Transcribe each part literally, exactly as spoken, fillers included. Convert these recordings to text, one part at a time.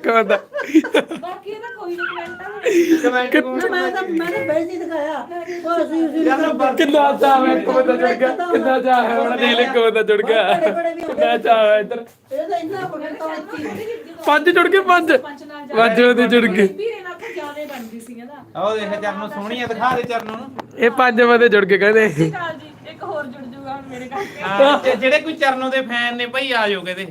ਇੱਕ ਬੰਦਾ ਬਾਕੀ ਇਹਦਾ ਕੋਈ ਨਹੀਂ ਕਮੈਂਟ ਕਮੈਂਟ ਮੈਂ ਤਾਂ ਮੈਂ ਤਾਂ ਬੇਇੱਜ਼ਤੀ ਦਿਖਾਇਆ ਉਹ ਅਸੀਂ ਉਸੇ ਨੂੰ ਕਿੰਨਾ ਚਾਹ ਹੈ ਇੱਕ ਬੰਦਾ ਜੁੜ ਗਿਆ ਕਿੰਨਾ ਚਾਹ ਹੈ ਹੁਣ ਦੇਖ ਲੈ ਇੱਕ ਬੰਦਾ ਜੁੜ ਗਿਆ ਕਿੰਨਾ ਚਾਹ ਹੈ ਇੱਧਰ ਇਹ ਤਾਂ ਇੰਨਾ ਬਗੜਤਾ ਪੰਜ ਜੁੜ ਗਏ ਪੰਜ ਪੰਜ ਉਹਦੇ ਜੁੜ ਗਏ ਵੀਰੇ ਨਾਲ ਤਾਂ ਜ਼ਿਆਦਾ ਬਣਦੀ ਸੀ ਇਹਦਾ ਆਹ ਦੇਖ ਚਰਨੋਂ ਸੋਹਣੀ ਆ ਦਿਖਾ ਦੇ ਚਰਨੋਂ ਨੂੰ ਇਹ ਪੰਜ ਬੰਦੇ ਜੁੜ ਕੇ ਕਹਿੰਦੇ ਕਾਲ ਜੀ ਇੱਕ ਹੋਰ ਜੁੜ ਜੂਗਾ ਹੁਣ ਮੇਰੇ ਕਰਕੇ ਹਾਂ ਜੇ- ਜਿਹੜੇ ਕੋਈ ਚਰਨੋਂ ਦੇ ਫੈਨ ਨੇ ਭਾਈ ਆ ਜਾਓ ਕਿਤੇ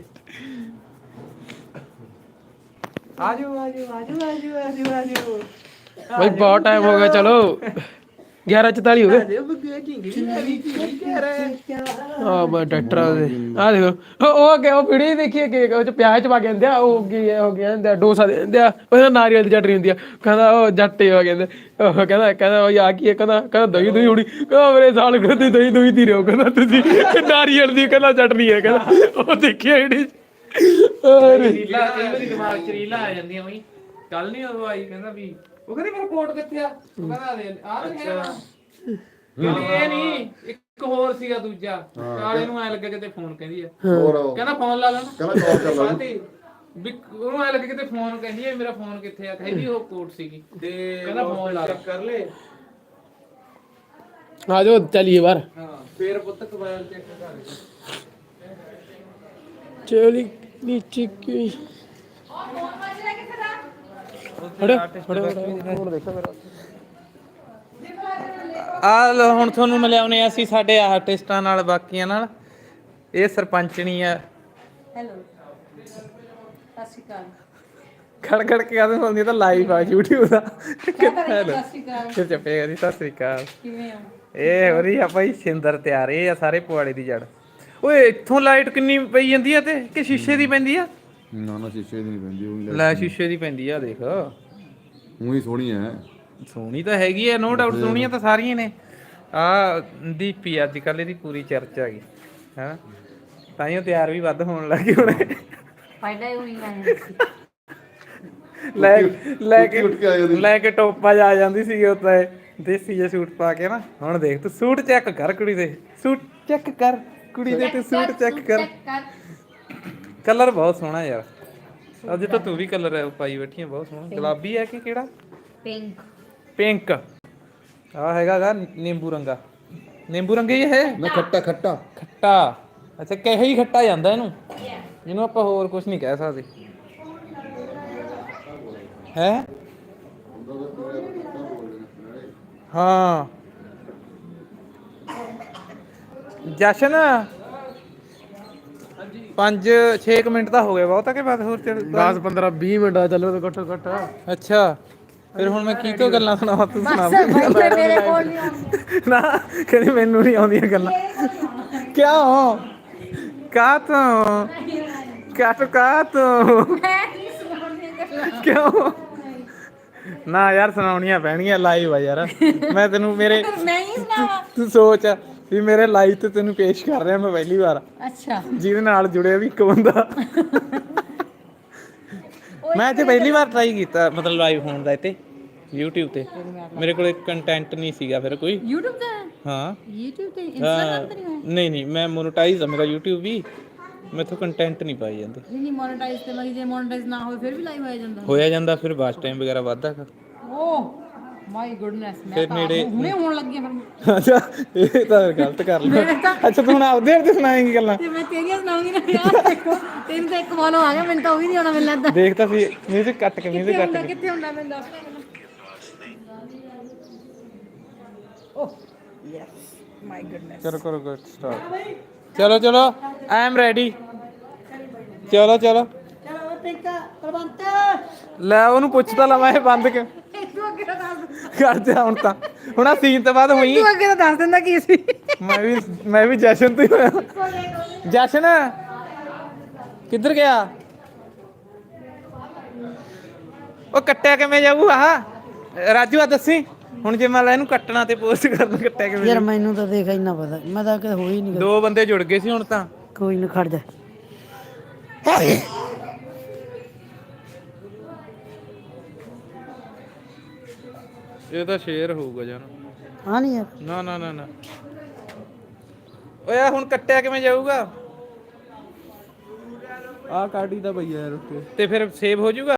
ਆਜੋ ਆਜੋ ਆਜੋ ਆਜੋ ਆਜੋ ਆਜੋ ਭਾਈ ਬਹੁਤ ਟਾਈਮ ਹੋ ਗਿਆ ਚਲੋ ਗਿਆਰਾਂ ਚੁਤਾਲੀ ਹੋ ਗਏ ਆਜੋ ਬੱਗੇ ਢਿੰਗੀ ਢਿੰਗੀ ਕੀ ਕਹਿ ਰਹੇ ਆ ਮੈਂ ਡਾਕਟਰ ਆ ਦੇ ਆ ਦੇਖੋ ਉਹ ਉਹ ਕਿ ਉਹ ਵੀਡੀਓ ਦੇਖੀਏ ਕਿ ਉਹ ਚ ਪਿਆਜ਼ ਚ ਪਾ ਕੇ ਦਿੰਦੇ ਆ ਉਹ ਕੀ ਹੋ ਗਿਆ ਦਿੰਦੇ ਆ ਡੋਸਾ ਦੇ ਦਿੰਦੇ ਆ ਉਹ ਨਾਰੀਅਲ ਦੀ ਚਟਨੀ ਹੁੰਦੀ ਆ ਕਹਿੰਦਾ ਉਹ ਜੱਟੇ ਹੋ ਕਹਿੰਦੇ ਉਹ ਕਹਿੰਦਾ ਕਹਿੰਦਾ ਉਹ ਆ ਕੀ ਹੈ ਕਹਿੰਦਾ ਕਹਿੰਦਾ ਦਹੀਂ ਦਹੀਂ ਉੜੀ ਕਹਿੰਦਾ ਮੇਰੇ ਸਾਲ ਕਹਿੰਦੇ ਦਹੀਂ ਦਹੀਂ ਦੀ ਰਹੋ ਕਹਿੰਦਾ ਤੁਸੀਂ ਨਾਰੀਅਲ ਦੀ ਕਹਿੰਦਾ ਚਟਨੀ ਹੈ ਕਹਿੰਦਾ ਉਹ ਦੇਖਿਆ ਜਿਹੜੀ ਅਰੇ ਰੀਲਾ ਕਈ ਵਾਰੀ ਦਿਮਾਗ ਚ ਰੀਲਾ ਆ ਜਾਂਦੀਆਂ ਬਈ ਕੱਲ ਨਹੀਂ ਉਹ ਆਈ ਕਹਿੰਦਾ ਵੀ ਉਹ ਕਹਿੰਦੀ ਮੇਰਾ ਕੋਟ ਕਿੱਥੇ ਆ ਉਹ ਕਹਿੰਦਾ ਦੇ ਆ ਰਿਹਾ ਕਹਿੰਦੀ ਇਹ ਨਹੀਂ ਇੱਕ ਹੋਰ ਸੀਗਾ ਦੂਜਾ ਕਾਲੇ ਨੂੰ ਐ ਲੱਗਾ ਕਿਤੇ ਫੋਨ ਕਹਿੰਦੀ ਆ ਹੋਰ ਉਹ ਕਹਿੰਦਾ ਫੋਨ ਲਾ ਲੈਣਾ ਕਹਿੰਦਾ ਕਾਲ ਕਰ ਲਾ ਸਾਥੀ ਵੀ ਉਹਨੂੰ ਐ ਲੱਗਾ ਕਿਤੇ ਫੋਨ ਕਹਿੰਦੀ ਆ ਮੇਰਾ ਫੋਨ ਕਿੱਥੇ ਆ ਕਹਿੰਦੀ ਉਹ ਕੋਟ ਸੀਗੀ ਤੇ ਕਹਿੰਦਾ ਫੋਨ ਲਾ ਚੈੱਕ ਕਰ ਲੈ ਆ ਜਾਓ ਚਲੀਏ ਬਾਹਰ ਹਾਂ ਫੇਰ ਪੁੱਤ ਮੋਬਾਈਲ ਚੈੱਕ ਕਰ ਚਲੀ ਨੀਚੇ ਕੀ ਫੜੋ ਫੜੋ ਹੁਣ ਦੇਖੋ ਮੇਰਾ ਆ ਲਓ ਹੁਣ ਤੁਹਾਨੂੰ ਮਿਲਾਉਨੇ ਅਸੀਂ ਸਾਡੇ ਆਰਟਿਸਟਾਂ ਨਾਲ ਬਾਕੀਆਂ ਨਾਲ ਇਹ ਸਰਪੰਚਣੀ ਆ ਹੈਲੋ ਸਤਿ ਸ਼੍ਰੀ ਅਕਾਲ ਖੜ ਖੜ ਕੇ ਆਦੇ ਹੁੰਦੀ ਤਾਂ ਲਾਈਵ ਆ YouTube ਦਾ ਸਤਿ ਸ਼੍ਰੀ ਅਕਾਲ ਫਿਰ ਚੱਪੇਗਾ ਜੀ ਸਤਿ ਸ੍ਰੀ ਅਕਾਲ ਕਿਵੇਂ ਹੋ ਇਹ ਹੋ ਰਹੀ ਆ ਭਾਈ ਸਿੰਦਰ ਤਿਆਰ ਇਹ ਆ ਸਾਰੇ ਪੁਆੜੇ ਦੀ ਜੜ ਓਏ ਇੱਥੋਂ ਲਾਈਟ ਕਿੰਨੀ ਪਈ ਜਾਂਦੀ ਆ ਤੇ ਕਿ ਸ਼ੀਸ਼ੇ ਦੀ ਪੈਂਦੀ ਆ ਨਾ ਨਾ ਸ਼ੀਸ਼ੇ ਦੀ ਨਹੀਂ ਪੈਂਦੀ ਉਹ ਲੈ ਸ਼ੀਸ਼ੇ ਦੀ ਪੈਂਦੀ ਆ ਦੇਖ ਉਹੀ ਸੋਹਣੀ ਹੈ ਸੋਹਣੀ ਤਾਂ ਹੈਗੀ ਆ ਨੋ ਡਾਊਟ ਸੋਹਣੀਆਂ ਤਾਂ ਸਾਰੀਆਂ ਨੇ ਆ ਦੀਪੀ ਅੱਜ ਕੱਲ ਇਹਦੀ ਪੂਰੀ ਚਰਚਾ ਹੈਗੀ ਹੈ ਤਾਂ ਹੀ ਉਹ ਤਿਆਰ ਵੀ ਵੱਧ ਹੋਣ ਲੱਗੇ ਹੁਣ ਫਾਇਦਾ ਹੀ ਹੋਈ ਆਇਆ ਲੈ ਲੈ ਕੇ ਉੱਠ ਕੇ ਆ ਜਾਂਦੀ। ਲੈ ਕੇ ਟੋਪਾ ਜਾ ਜਾਂਦੀ ਸੀ ਉਹ ਤਾਂ ਦੇਸੀ ਜਿਹਾ ਸੂਟ ਪਾ ਕੇ ਨਾ ਹੁਣ ਦੇਖ ਤੂੰ ਸੂਟ ਚੈੱਕ ਕਰ ਕੁੜੀ ਦੇ ਸੂਟ ਚੈੱਕ ਕਰ ਕੁੜੀ ਦੇ ਤੇ ਸੂਟ ਚੈੱਕ ਕਰ ਕਲਰ ਬਹੁਤ ਸੋਹਣਾ ਯਾਰ ਅੱਜ ਤਾਂ ਤੂੰ ਵੀ ਕਲਰ ਪਾਈ ਬੈਠੀ ਆ ਬਹੁਤ ਸੋਹਣਾ ਗੁਲਾਬੀ ਹੈ ਕਿ ਕਿਹੜਾ ਪਿੰਕ ਪਿੰਕ ਆ ਹੈਗਾ ਗਾ ਨਿੰਬੂ ਰੰਗਾ ਨਿੰਬੂ ਰੰਗਾ ਹੀ ਹੈ ਨਾ ਖੱਟਾ ਖੱਟਾ ਖੱਟਾ ਅੱਛਾ ਕਿਹੋ ਹੀ ਖੱਟਾ ਜਾਂਦਾ ਇਹਨੂੰ ਇਹਨੂੰ ਆਪਾਂ ਹੋਰ ਕੁਝ ਨਹੀਂ ਕਹਿ ਸਕਦੇ ਹੈ ਹਾਂ ਜਸ਼ਨ ਪੰਜ ਛੇ ਮਿੰਟ ਤਾਂ ਹੋ ਗਏ ਬਹੁਤਾ ਕਿ ਬਾਅਦ ਹੋਰ ਚੱਲ ਦਸ ਪੰਦਰਾਂ ਵੀਹ ਮਿੰਟ ਆ ਚੱਲੋ ਤਾਂ ਘੱਟੋ ਘੱਟ ਅੱਛਾ ਫਿਰ ਹੁਣ ਮੈਂ ਕੀ ਤੋਂ ਗੱਲਾਂ ਸੁਣਾਵਾਂ ਤੂੰ ਸੁਣਾ ਮੇਰੇ ਕੋਲ ਨਹੀਂ ਆਉਂਦੀ ਨਾ ਕਹਿੰਦੀ ਮੈਨੂੰ ਨਹੀਂ ਆਉਂਦੀਆਂ ਗੱਲਾਂ ਕਿਉਂ ਕਾ ਤੂੰ ਕਾ ਤੂੰ ਕਾ ਤੂੰ ਕਿਉਂ ਨਾ ਯਾਰ ਸੁਣਾਉਣੀਆਂ ਪੈਣਗੀਆਂ ਲਾਈਵ ਆ ਯਾਰ ਮੈਂ ਤੈਨੂੰ ਮੇਰੇ ਮੈਂ ਹੀ ਸੁਣਾਵਾ ਤੂੰ ਸੋਚ ਵੀ ਮੇਰੇ ਲਾਈਵ ਤੇ ਤੈਨੂੰ ਪੇਸ਼ ਕਰ ਰਿਹਾ ਮੈਂ ਪਹਿਲੀ ਵਾਰ ਅੱਛਾ ਜਿਹਦੇ ਨਾਲ ਜੁੜਿਆ ਵੀ ਇੱਕ ਬੰਦਾ ਮੈਂ ਤੇ ਪਹਿਲੀ ਵਾਰ ਟਰਾਈ ਕੀਤਾ ਮਤਲਬ ਲਾਈਵ ਹੋਣ ਦਾ ਇੱਥੇ YouTube ਤੇ ਮੇਰੇ ਕੋਲ ਕੰਟੈਂਟ ਨਹੀਂ ਸੀਗਾ ਫਿਰ ਕੋਈ YouTube ਤੇ ਹਾਂ YouTube ਤੇ ਹਾਂ, Instagram ਤੇ ਨਹੀਂ ਹੋਇਆ ਨਹੀਂ ਨਹੀਂ ਮੈਂ ਮੋਨੇਟਾਈਜ਼ ਆ ਮੇਰਾ YouTube ਵੀ ਮੈਥੋਂ ਕੰਟੈਂਟ ਨਹੀਂ ਪਾਈ ਜਾਂਦੇ ਨਹੀਂ ਨਹੀਂ ਮੋਨੇਟਾਈਜ਼ ਤੇ ਮਗੀ ਜੇ ਮੋਨੇਟਾਈਜ਼ ਨਾ ਹੋਵੇ ਫਿਰ ਵੀ ਲਾਈਵ ਆਇਆ ਜਾਂਦਾ ਹੋਇਆ ਜਾਂਦਾ ਫਿਰ ਵਾਚ ਟਾਈਮ ਵਗੈਰਾ ਵੱਧਦਾ ਓਹ ਮਾਈ ਗੁੱਡਨੈਸ ਮੈਂ ਫਿਰ ਤਾਂ ਨੇੜੇ- ਹੁਣੇ ਹੋਣ ਲੱਗੀ ਆ ਫਿਰ ਅੱਛਾ ਇਹ ਤਾਂ ਗਲਤ ਕਰ ਲਿਆ ਅੱਛਾ ਤੂੰ ਹੁਣ ਆਪਦੇ ਆਪਦੇ ਸੁਣਾਏਂਗੀ ਗੱਲਾਂ ਤੇ ਮੈਂ ਤੇਰੀਆਂ ਸੁਣਾਉਂਗੀ ਨਾ ਯਾਰ ਦੇਖੋ ਤੈਨੂੰ ਤਾਂ ਇੱਕ ਫੋਲੋ ਆ ਗਿਆ ਮੈਨੂੰ ਤਾਂ ਉਹ ਵੀ ਨਹੀਂ ਆਉਣਾ ਮੈਨੂੰ ਲੱਗਦਾ ਦੇਖ ਤਾਂ ਸੀ ਮਿਊਜ਼ਿਕ ਕੱਟ ਕੇ ਮਿਊਜ਼ਿਕ ਕੱਟ ਕੇ ਕਿੱਥੇ ਹੁੰਦਾ ਮੈਨੂੰ ਦੱਸ ਓਹ ਯੈਸ ਮਾਈ ਗੁੱਡਨੈਸ ਚਲੋ ਕਰੋ ਗੁੱਡ ਸਟਾਰਟ ਚਲੋ ਚਲੋ ਆਈ ਐਮ ਰੈਡੀ ਚਲੋ ਚਲੋ ਚਲੋ ਟਿੱਕਾ ਪ੍ਰਬੰਧ ਲੈ ਉਹਨੂੰ ਪੁੱਛਦਾ ਲਵਾਂ ਇਹ ਬੰਦ ਕਿ ਤੂੰ ਅੱਗੇ ਤਾਂ ਦੱਸ ਕਰ ਦੇ ਹੁਣ ਤਾਂ ਹੁਣ ਆ ਸੀਨ ਤੋਂ ਬਾਅਦ ਹੋਈ ਤੂੰ ਅੱਗੇ ਤਾਂ ਦੱਸ ਦਿੰਦਾ ਕੀ ਸੀ ਮੈਂ ਵੀ ਮੈਂ ਵੀ ਜਸ਼ਨ ਤੋਂ ਹੀ ਹੋਇਆ ਜਸ਼ਨ ਕਿੱਧਰ ਗਿਆ ਉਹ ਕੱਟਿਆ ਕਿਵੇਂ ਜਾਊ ਆਹ ਰਾਜੂ ਆ ਦੱਸੀ ਹੁਣ ਜੇ ਮੈਂ ਲੈ ਇਹਨੂੰ ਕੱਟਣਾ ਤੇ ਪੋਸਟ ਕਰਨਾ ਕੱਟਿਆ ਕਿਵੇਂ ਯਾਰ ਮੈਨੂੰ ਤਾਂ ਦੇਖ ਇੰਨਾ ਪਤਾ ਮੈਂ ਤਾਂ ਕਦੇ ਹੋਈ ਨਹੀਂ ਦੋ ਬੰਦੇ ਜੁੜ ਗਏ ਸੀ ਹੁਣ ਤਾਂ ਕੋਈ ਨਾ ਖੜ ਜਾ ਇਹ ਤਾਂ ਸ਼ੇਰ ਹੋਊਗਾ ਜਾਨ ਹਾਂ ਨਹੀਂ ਯਾਰ ਨਾ ਨਾ ਨਾ ਨਾ ਓਏ ਆਹ ਹੁਣ ਕੱਟਿਆ ਕਿਵੇਂ ਜਾਊਗਾ ਆ ਕਾਟੀ ਦਾ ਭਈਆ ਯਾਰ ਉੱਤੇ ਤੇ ਫਿਰ ਸੇਵ ਹੋ ਜਾਊਗਾ